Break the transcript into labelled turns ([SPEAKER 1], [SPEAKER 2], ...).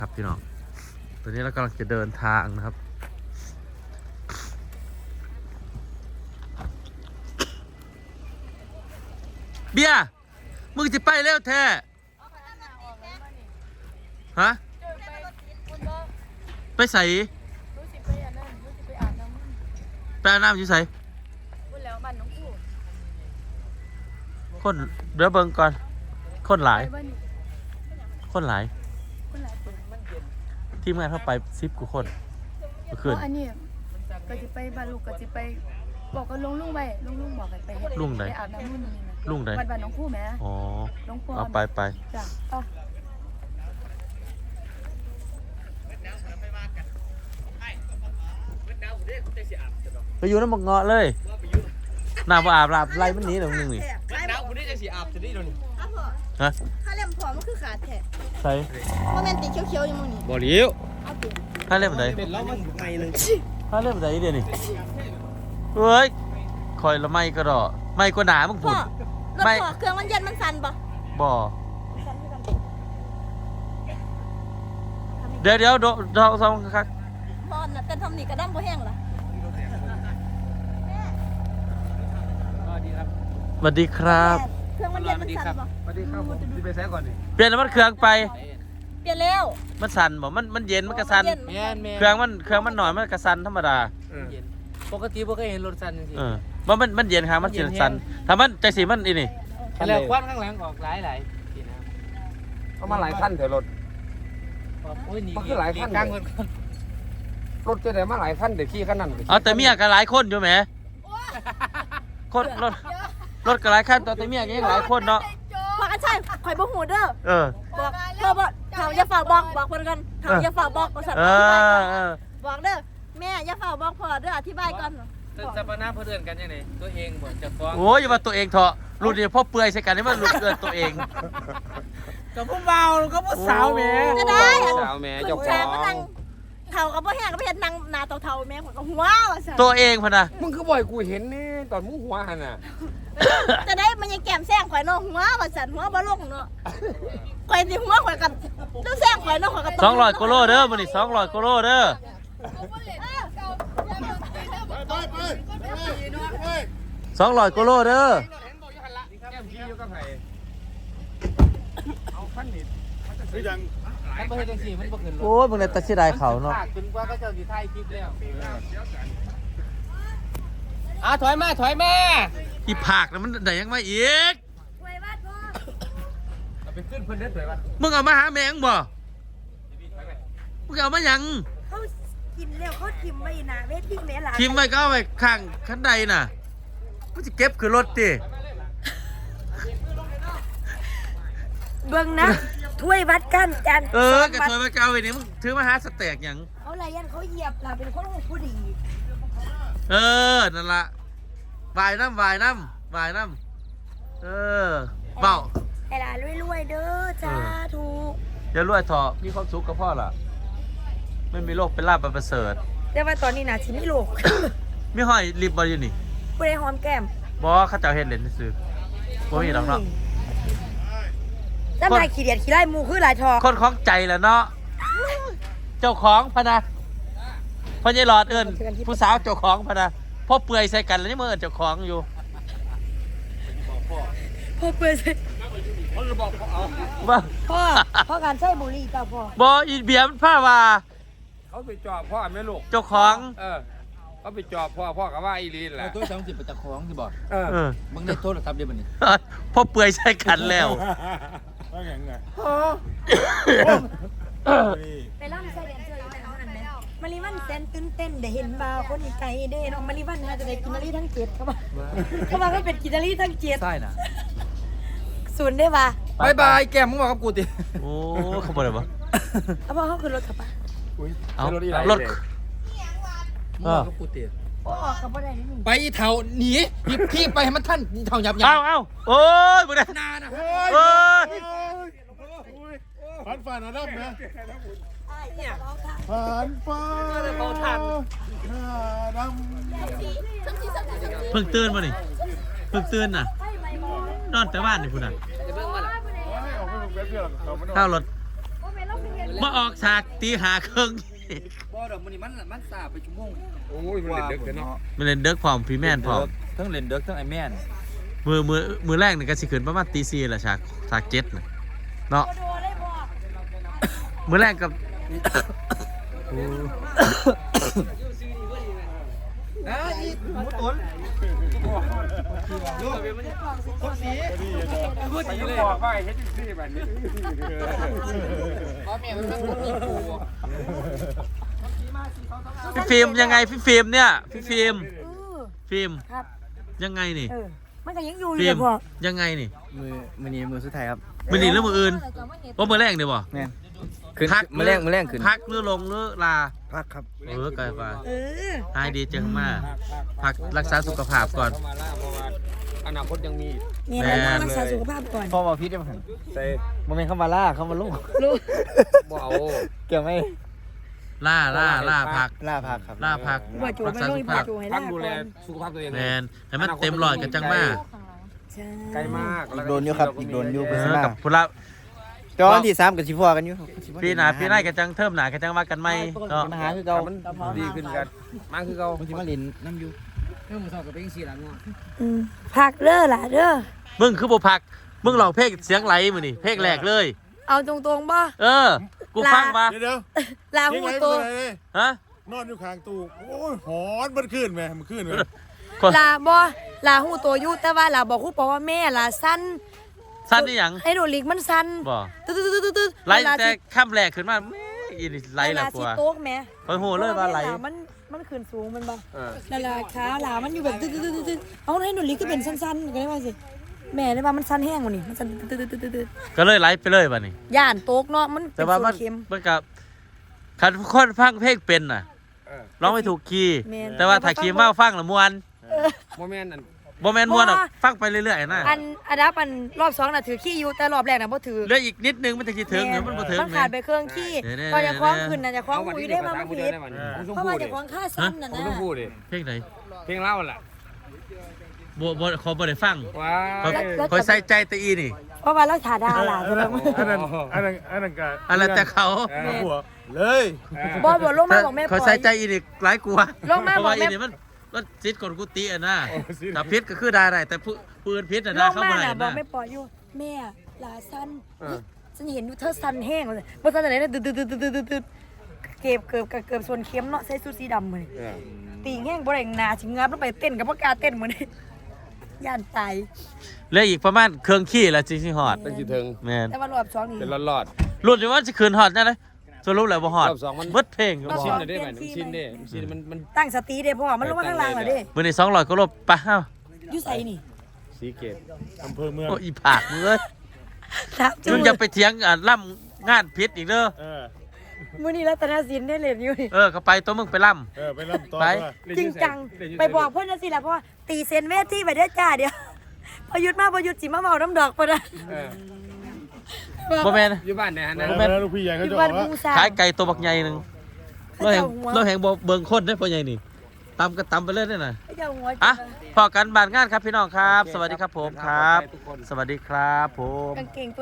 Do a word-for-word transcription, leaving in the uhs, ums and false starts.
[SPEAKER 1] ครับพี่น้องตอนนี้เรากำลังจะเดินทางนะครับเบียร์มึงจะไปเร็วแท้ฮะไปใส่ไปอาบน้ำอยู่ใส่คนเดี๋ยวเบิ่งก่อนคนหลายคนหลายทีมงานเข้าไปซิปกูคนเมื่อคืน
[SPEAKER 2] อันนี้ก็จะไปบ้านลูกก็จะไปบอกกับลุงลุงไปลุงลุงบอกกันไปเฮ็ด
[SPEAKER 1] ลุงไหน
[SPEAKER 2] ไปอาบน้ำนู่นนี่นะ
[SPEAKER 1] ลุงไหน
[SPEAKER 2] บ้านบ้านน้องคู่แม่
[SPEAKER 1] อ๋อ
[SPEAKER 2] น้องปอน
[SPEAKER 1] เอาไปไป
[SPEAKER 2] จ้ะเอา
[SPEAKER 1] ไปอยู่น้ำมังเงาะเลยน้ำบ่อาบอาบไรมันหนีหนึ่งหนึ่งนี่
[SPEAKER 3] มันหนาวคุณได้จะสีอาบจะได้โดน
[SPEAKER 2] เอาพ่อ
[SPEAKER 1] ฮะ
[SPEAKER 2] ถ้าเล่มผอมมันคือขาดแท้
[SPEAKER 1] ใส่
[SPEAKER 2] โมเมนติเขียวๆอยู่มื้อนี้
[SPEAKER 3] บ่เลี้ยว
[SPEAKER 2] เอาเปลี่ยน
[SPEAKER 1] ถ้าเล่มไหน
[SPEAKER 3] เป็นแล้วมันไม่เลย
[SPEAKER 1] ถ้าเล่มไหนเดี๋ยวนี้เฮ้ยคอยละไม่ก็ดอไม่ก็หนามึง
[SPEAKER 2] พ่
[SPEAKER 1] พู
[SPEAKER 2] อ
[SPEAKER 1] ด
[SPEAKER 2] รถ
[SPEAKER 1] ไม่
[SPEAKER 2] พ่อเครื่องมันเย็นมันสั่นบ่
[SPEAKER 1] บ่
[SPEAKER 2] สั่นคือกัน
[SPEAKER 1] เดี๋ยวเดี๋ยวโดเราสองครับ
[SPEAKER 2] พ่อน่ะเต้นทำนี่กระดั้งบ่แห้งล่ะ
[SPEAKER 3] ก็ดีครับ
[SPEAKER 1] สวัสดีครับ
[SPEAKER 2] เครื่องมันเย็นมันสั่นบ่
[SPEAKER 3] สวัสดีครับผมที่ไปแซะก่อนนี่
[SPEAKER 1] เปลี่ยนน้ำมันเครื่องไป
[SPEAKER 2] เปลี่ยนแล้ว
[SPEAKER 1] มันสั่นบ่มันมันเย็นมันกระสัน
[SPEAKER 3] แม่นแม่น
[SPEAKER 1] เครื่องมันเครื่องมันหน่อยมันกระสันธรรมดา
[SPEAKER 3] เย็นปกติบ่เคยเห็นรถสั่นจริง
[SPEAKER 1] เออว่ามันมันเย็นครับมันเย็นสันถ้ามันใจสีมันอีนี่
[SPEAKER 3] ๆแล้วควันข้างหลังออกหลายหลายทีนะ
[SPEAKER 4] เอามาหลายขั้นเถอะรถ
[SPEAKER 3] โอ้ยหนี
[SPEAKER 4] มันคือหลายคัน
[SPEAKER 3] กลางคน
[SPEAKER 4] รถจะได้มาหลายขั้นเดี๋ยวขี่ขั้นนั้นก็ขี่
[SPEAKER 1] เอาแต่เมียก็หลายคนอยู่แหมคนรถรถก็หลายคันแต่เมียก็ยังหลายคนเนาะ
[SPEAKER 2] พ่อกันใช่ข่อยบ่ฮู้เด้อ
[SPEAKER 1] เออ
[SPEAKER 2] บอกพ่อบอกเขาอย่าฝากบอกบอกเพิ่นกันเขาอย่าฝากบอกบริษัท
[SPEAKER 1] เอ
[SPEAKER 2] อธิบายก่อ
[SPEAKER 1] อน เออ
[SPEAKER 2] บอกเด้อแม่อย่าฝากบอกพ่อเด้ออธิบายก่อน
[SPEAKER 3] จะปนาเพื่อนกันยังไงตัวเองบ่จะฟ้อง
[SPEAKER 1] โอ้ยอย่ามาตัวเองเถอะรุ่นนี้พ่อเปื่อยใส่กันนี่มันรุ่นเกินตัวเอง
[SPEAKER 3] กับผู้เบาก็ผู้สาวแม่
[SPEAKER 2] จะได้
[SPEAKER 4] สาวแม่
[SPEAKER 2] คุ
[SPEAKER 4] เจ้า
[SPEAKER 2] ณ
[SPEAKER 4] ข
[SPEAKER 2] แช
[SPEAKER 4] อ
[SPEAKER 2] ร์ก็นั่
[SPEAKER 4] ง
[SPEAKER 2] งเฒ่ากับพ่อแห้งก็ไปเห็นนั่งหน้าเฒ่าๆแม่ข่อยก็หัวว่าซั่น
[SPEAKER 1] ตัวเองพะนะ
[SPEAKER 4] มึงคือบ่อยกูเห็นนี่ตอนมึงหัวหันน่ะ
[SPEAKER 2] จะได้มันยังแก้มแซงข่อยเนาะหัวว่าซั่นหัวบ่ลงเนาะข่อยสิหัวข่อยกันต้องแซงข่อยเนาะข่อยก็
[SPEAKER 1] สองร้อยกิโลเด้อมันนี่สองร้อยกิโลเด้อสองร้อยกิโลเด้อ
[SPEAKER 4] แก้มขี้อยู่กับไผเอาขั้นนี้
[SPEAKER 3] ถ้าบ่เฮ็ดจังซี่มันบ่ขึ้นรถ
[SPEAKER 1] โอ้ยมึงเลยตัดสิได้เขาเนาะ
[SPEAKER 3] จนกว่าเขาจะสิถ่ายคลิปแล้วอ่ะถอยมาถอยมา
[SPEAKER 1] อีผักนะมันได้ยังไม่อีก
[SPEAKER 2] ไว้บ้านพ่อ
[SPEAKER 3] เอาไปขึ้นเพิ่นเด้อถอยมา
[SPEAKER 1] มึงเอามาหาแมงบ่มึงเอามาหยัง
[SPEAKER 2] เขากินแล้วเขาทิ่มไว้หน้าเวทีแม่หลาน
[SPEAKER 1] ทิมไว้ก็เอาไว้ข้างขันใดน่ะมึงจะเก็บคือรถดิ
[SPEAKER 2] เบิ่งนะถ้วยวัดกันจัน
[SPEAKER 1] เออกระถอยมาเก้าไว้นี่มึงถือมาหาสเต็กหยัง
[SPEAKER 2] เขาไรยันเขาเหยียบเราเป็นคนผู้ดี
[SPEAKER 1] เออนั่นละวายน้ำวายน้ำวายน้ำเออเบา
[SPEAKER 2] ไอ้หลานรวยๆเด้อจ้าถูก
[SPEAKER 1] อย่ารวยเถอะมีความสุขกับพ่อล่ะไม่มีโรคเป็นลาบประเสริฐ
[SPEAKER 2] แต่ว่าตอนนี้นะชิมิโลก
[SPEAKER 1] มีห้อยรีบบอลอยู่นี่
[SPEAKER 2] ผู้ใดหอมแก้ม
[SPEAKER 1] บอข้าเจ้าเห็นเล่นซื้อบ่มีหรอกเนาะ
[SPEAKER 2] น้ำลายขี้เดียดขี้ไล่มูคือหลายทอ
[SPEAKER 1] คนของใจแหละเนาะเจ้าของพะนะพ่อใหญ่หลอดเอิ้นผู้สาวเจ้าของพะนะพ่อเปื่อยใส่กันแล้วนี่มือเอิ้นเจ้าของอยู่
[SPEAKER 2] พ่อเปื่อย
[SPEAKER 1] ว่า
[SPEAKER 2] พ่อพ่อการใช้บุหรี่เจ้าพ่อบ
[SPEAKER 1] ออีเบียมันผ้าว่า
[SPEAKER 4] เขาไปจอบพ่อแม่ลูก
[SPEAKER 1] เจ้าของ
[SPEAKER 4] เออเขาไปจอบพ่อพ่อก็ว่าอีลีนแหละ
[SPEAKER 3] ตัวสามสิบประจักษ์ของสิบ่
[SPEAKER 4] เออ
[SPEAKER 1] เออ
[SPEAKER 3] มึงได้โทรศัพท์ได้บ่นี่
[SPEAKER 1] พ่อเปื่อยใส่กันแล้ว
[SPEAKER 4] ว่าไงไง
[SPEAKER 2] ไปล่ำใส่แดนเซอร์อยู่ไหนเอาหันไหมมาริวันเต้นตื่นเต้นได้เห็นบ่าวคนไกลเด้น้องมาริวันน่าจะได้กินนารีทั้งเจ็ดเขาบอกเขาบอกว่าเป็นกินนารีทั้งเจ็ด
[SPEAKER 3] ใช่น่ะ
[SPEAKER 2] ศูนย์ได้ป่ะ
[SPEAKER 3] บายบายแก้มมึงบอกกับกูติ
[SPEAKER 1] โอ้เขาบอกอะไรวะ
[SPEAKER 2] เอาพ่อเขาขึ้นรถขับป่ะ
[SPEAKER 1] เอา
[SPEAKER 4] รถอีไร
[SPEAKER 1] รถ
[SPEAKER 3] มึงบอกกับกูติ
[SPEAKER 2] โอ้ขับป่ะได้นี่
[SPEAKER 3] ไปอีเฒ่าหนีพี่พี่ไปให้มันทันอีเฒ่าหยับหยั
[SPEAKER 1] เอาเอาโอ้ยมึงเนี่ย
[SPEAKER 3] นานะ
[SPEAKER 1] เอ้ย
[SPEAKER 5] ผ่านฝ่านะดับนะ
[SPEAKER 2] เนี่ย
[SPEAKER 5] ผ่านฝ่าดำ
[SPEAKER 1] เพิ่งตื่นมานี่เพิ่งตื่นน่ะ นอนแต่บ้านนี่คุณน่ะ
[SPEAKER 3] จะเบิ่งมาล่ะ
[SPEAKER 5] ออกไปเว็บเดียวเขาไม่
[SPEAKER 1] ข้าวรถ
[SPEAKER 3] แร
[SPEAKER 1] มาออกฉากตีหาครึ่ง
[SPEAKER 3] บ่ดอกมันนี่มันมันสาไปชั่วโมง
[SPEAKER 4] โอ้ยมันเด็กๆเนาะ
[SPEAKER 1] มันเล่นเด็กพร้อมพี่แม่นพร้อม
[SPEAKER 3] ทั้งเล่นเด็กทั้งไอ้แม่น
[SPEAKER 1] มือมือมือแรกนี่ก็สิขึ้นประมาณตีสี่แหละฉากฉากเจ็ดน่ะเนาะ
[SPEAKER 2] โดนเลยบ่
[SPEAKER 1] มือแรกกับ
[SPEAKER 3] อ่ะอีหมูตุ๋นคนสีพูดสีเลย
[SPEAKER 4] บอกว่าเฮ็ดจังซี่แบบนี้
[SPEAKER 3] พ่อแม่มันเป็นคนมีกู
[SPEAKER 1] พี่ฟิล์มยังไงพี่ฟิล์มเนี่ยพี่ฟิล์ม
[SPEAKER 2] เออ
[SPEAKER 1] ฟิล์ม
[SPEAKER 2] ครับ
[SPEAKER 1] ยังไงนี่
[SPEAKER 2] เออมันก็ยังอยู่อ
[SPEAKER 1] ฟิ
[SPEAKER 2] ยู่
[SPEAKER 1] ล์ม
[SPEAKER 2] เลยพ่อ
[SPEAKER 1] ยังไงนี่
[SPEAKER 3] มือมือนี้มือสุดท้ายครับ
[SPEAKER 1] มือหนีหรือมืออื่นว่ามือแรกเดี๋ยวบ่
[SPEAKER 3] แม่นขึ้น
[SPEAKER 1] พัก
[SPEAKER 3] มือแรงมือแรงขึ้น
[SPEAKER 1] พักหรือลงหรือลา
[SPEAKER 3] พักครับ
[SPEAKER 1] เออไกลฟ้า
[SPEAKER 2] เออ
[SPEAKER 1] หายดีจังมากพักรักษาสุขภาพก่อน
[SPEAKER 4] เข้ามาล่าเพราะว่าอนาคตยังมี
[SPEAKER 2] มีอะไรต้องรักษาสุขภาพก่อน
[SPEAKER 3] พ่อบอกพี่ได้ไหม
[SPEAKER 4] ใส่
[SPEAKER 3] โมเมนต์เข้ามาล่าเข้ามาลูก
[SPEAKER 2] รู้
[SPEAKER 4] บ่เอา
[SPEAKER 3] เกี่ยวไหม
[SPEAKER 1] ล่าล่าล่าพัก
[SPEAKER 3] ล่าพักครับ
[SPEAKER 1] ล่าพัก
[SPEAKER 2] ว่าจู
[SPEAKER 1] รั
[SPEAKER 2] ไม่
[SPEAKER 1] ษา
[SPEAKER 2] รู้
[SPEAKER 1] สุข
[SPEAKER 2] ว่า
[SPEAKER 1] ภาพ
[SPEAKER 2] จูให้
[SPEAKER 4] พั
[SPEAKER 2] ลาก
[SPEAKER 4] ดูแล
[SPEAKER 2] ก่อน
[SPEAKER 4] สุขภาพตัวเอง
[SPEAKER 1] แมนให้มันเต็มร้อยกันจังมาก
[SPEAKER 2] ใช่
[SPEAKER 4] ไกลมาก
[SPEAKER 3] อีกโดนอยู่ครับอีกโดนอยู่
[SPEAKER 1] เอ
[SPEAKER 3] เป็น
[SPEAKER 1] อ
[SPEAKER 3] สิมา
[SPEAKER 1] กับพุละ
[SPEAKER 3] จอนที่สามกับชิฟัวกันอยู่
[SPEAKER 1] ปีหน้าปีหน้ากันจังเทิมหน้ากันจังว่ากันไหมเนาะ
[SPEAKER 3] มาหาคือเก่า
[SPEAKER 4] มันดีขึ้นกันมากคือเก่า
[SPEAKER 3] มันสิมาลินน้ำอยู่เรื่องมือสองกับเป็นสี่หลังเนาะ
[SPEAKER 2] อืมพักเด้อล่ะเด้อ
[SPEAKER 1] มึงคือบ่พักมึงลองเพลงเสียงไหลมื้อนี่เพลงแรกเลย
[SPEAKER 2] เอาตรงๆบ่
[SPEAKER 1] เออ กูฟังมา
[SPEAKER 5] เดี๋ยวเดี๋ยว
[SPEAKER 2] ลา
[SPEAKER 5] ทิ้
[SPEAKER 2] หู
[SPEAKER 5] งไว้
[SPEAKER 2] โต
[SPEAKER 5] ไปเลย
[SPEAKER 1] ฮะ
[SPEAKER 5] นอนอยู่ข้างตู้โอ้ยหอนมันขึ้นไหมมันขึ้นไหม
[SPEAKER 1] คน
[SPEAKER 2] ลาบ่ลาหูโตอยู่แต่ว่าลาบอกครูบอกว่าแม่ลาสั้น
[SPEAKER 1] สั้นนี่หยัง
[SPEAKER 2] ไอ้โดลิกมันสั้น
[SPEAKER 1] บ่
[SPEAKER 2] ตึ๊ดตึ๊ดตึ๊ดตึ๊ดตึ๊ด
[SPEAKER 1] ไหลแต่ค่ำแรกขึ้นมาแม่อีนี่ไหลแล้วก
[SPEAKER 2] สิ
[SPEAKER 1] ว่า
[SPEAKER 2] โต๊กแม่
[SPEAKER 1] คอยโหเลยว่าไหล
[SPEAKER 2] พระมันมันขึ้นสูงมันบ่
[SPEAKER 4] เออ
[SPEAKER 2] นั่นล่ะขาลามันอยู่แบบตึ๊ดตึ๊ดตึ๊ดตึ๊ดเอาให้โดลิกก็เป็นสั้นๆก็ได้ว่าสิแม่ได้ว่ามันสั้นแห้งกว่านี่มันสั้นตึ๊ดตึ๊ดตึ๊ดตึ๊ดตึ๊ด
[SPEAKER 1] ก็เลยไหลไปเลยบัดนี้
[SPEAKER 2] ย่านโต๊กเนาะมันเป็
[SPEAKER 1] แต่
[SPEAKER 2] น
[SPEAKER 1] ว่า
[SPEAKER 2] โซ
[SPEAKER 1] มัน
[SPEAKER 2] นเค็ม
[SPEAKER 1] มันกับคันคนฟังเพลงเป็นน่ะ
[SPEAKER 4] เออ
[SPEAKER 1] ร้องไม่ถูกคีย์
[SPEAKER 2] แม่น
[SPEAKER 1] แต่ว่าถ้าคีย์เมาฟังละม่วน
[SPEAKER 4] โมเมนต์นั่น
[SPEAKER 1] บ่แม่นม่วนหรอกฟังไปเรื่อยๆนะ
[SPEAKER 2] อันอันดับอันรอบสองน่ะถือขี้อยู่แต่รอบแรกน่ะบ่ถือ
[SPEAKER 1] เหลืออีกนิดนึงมันจะสิถึงเดี๋ยวมันบ่ถึง
[SPEAKER 2] มันขาดไปเครื่องขี้
[SPEAKER 1] เดี๋ยวๆ
[SPEAKER 2] ตอนจะคล้องขึ้นน่ะจะคล้อง
[SPEAKER 4] เอาวัน
[SPEAKER 2] คุย
[SPEAKER 4] นี้
[SPEAKER 2] ได้
[SPEAKER 4] ได้
[SPEAKER 2] มา
[SPEAKER 4] มา
[SPEAKER 2] มัน
[SPEAKER 4] เมื่อ
[SPEAKER 2] ผิด
[SPEAKER 4] ได้วันผมต้อง
[SPEAKER 2] เพราะ
[SPEAKER 4] พู
[SPEAKER 2] ว่า
[SPEAKER 4] ด
[SPEAKER 2] จะ
[SPEAKER 4] ดิ
[SPEAKER 2] คล้องค่าสั้นน่ะ
[SPEAKER 4] ผม
[SPEAKER 2] นะ
[SPEAKER 4] ต้องพูดดิ
[SPEAKER 1] เพลงไหน
[SPEAKER 4] เพลงเล่าแหละ
[SPEAKER 1] บ่บ่ขอบ่ได้ฟัง
[SPEAKER 4] ว้า
[SPEAKER 1] ขอขอใส่ใจแต่อีนี่
[SPEAKER 2] เพราะว่าเราถ่าดาล่ะใช่ไหม
[SPEAKER 5] อันนั้นอันนั้นอันนั้นก็
[SPEAKER 1] อะไรแต่เขา
[SPEAKER 5] หัวเลย
[SPEAKER 2] บอบอกลงมาบอกแม่ป
[SPEAKER 1] ขอ
[SPEAKER 2] ล่อ
[SPEAKER 1] ใส่
[SPEAKER 2] ย
[SPEAKER 1] ใจอีนี่หลายกว่า
[SPEAKER 2] ลงมา
[SPEAKER 1] เพราะว่า
[SPEAKER 2] บอกแม่
[SPEAKER 1] อีนี่มันมันจิตกดกุฏิอ่ะนะถ้าพิษก็คือได้ได้แต่ผู้ปืนพิษอ่ะ
[SPEAKER 2] ล
[SPEAKER 1] นะ
[SPEAKER 2] ง
[SPEAKER 1] เข้า
[SPEAKER 2] มา
[SPEAKER 1] บ่ได้
[SPEAKER 2] น่ะบอก
[SPEAKER 1] นะ
[SPEAKER 2] แม่ปล่อยอยู่แม่ลาสั้นฉันเห็นอยู่เธอสั้นแห้งเลยบ่สั้นอะไรนะตึ๊ดตึ๊ดตึ๊ดตึ๊ดตึ๊ดตึ๊ดเก็บเกือบเกือบส่วนเข็มเนาะใส่สูทสีดำเลยตีแห้งบ่ได้หนาสิงับแล้วไปเต้นกับบ่กล้าเต้นมื้อนี้ย่านตาย
[SPEAKER 1] เหลืออีกประมาณเครื่องขี้แล้วจริงสิฮอด
[SPEAKER 4] เป็นสิถึง
[SPEAKER 1] แม่น
[SPEAKER 2] แต่ว่ารอบสองนี่
[SPEAKER 4] เป็นรอด
[SPEAKER 1] รุ่นอยู่ว่าสิคืนฮอดจังได๋สรุปแล้วบ่ฮอด
[SPEAKER 4] รอบสองมัน
[SPEAKER 1] เบิดเพลงก็
[SPEAKER 4] ๆ
[SPEAKER 1] บ่
[SPEAKER 4] ชิ
[SPEAKER 1] ฮ
[SPEAKER 4] น
[SPEAKER 1] อด
[SPEAKER 4] เลยได้ไหมชินเด้ชินมันมัน
[SPEAKER 2] ตั้งสติเด้พ่อมันลงมาข้างล่างแล้วเด้
[SPEAKER 1] มื้อนี้สองร้อยก็ลบไปเอ้า
[SPEAKER 2] อยู่ไสนี่
[SPEAKER 4] สีเกต
[SPEAKER 5] อำเภอเมือง
[SPEAKER 1] โอ้อีผากมึงเอ้ย
[SPEAKER 2] ครับจู
[SPEAKER 1] มึงอย่าไปเถียงอ่ะล่ำงานพิษอีกเด้อ
[SPEAKER 5] เออ
[SPEAKER 2] มื้อนี้รัตนศิลป์ได้เล่นอยู่นี่
[SPEAKER 1] เออก็ไปตัวมึงไปล่ำ
[SPEAKER 5] เออไปรับต่อ
[SPEAKER 1] ไป
[SPEAKER 5] ว่า
[SPEAKER 2] จริงจังไปบอกเพื่อนนะสิล่ะเพราะว่าตีเซนเวทีไปได้อจ้าเดียวพอหยุดมาพอหยุดสิมาเมาน้ำดอกปะนะ
[SPEAKER 4] เออ
[SPEAKER 1] บ่แม่น
[SPEAKER 4] อยู่บ้านเนี่ยฮะนะ
[SPEAKER 5] แล้วแม่ลูกพี่ใหญ่
[SPEAKER 2] ห
[SPEAKER 5] เขา
[SPEAKER 2] ยุด
[SPEAKER 5] จะบ
[SPEAKER 2] วั
[SPEAKER 5] อน กว่า
[SPEAKER 2] บูชา
[SPEAKER 1] ขายไก่ตัวบักใหญ่หนึงเราแหง
[SPEAKER 2] หัว
[SPEAKER 1] เราแหงบ่เบิ่งคนได้อพ่อใหญ่นี่ตำก็ตำไปเลยเด้อน่ะ
[SPEAKER 2] เจ้าหัว
[SPEAKER 1] อ่ะพอกันบานงานครับพี่น้องครับ สวัสดีครับผมครับ สวัสดีครับผม
[SPEAKER 2] กางเกง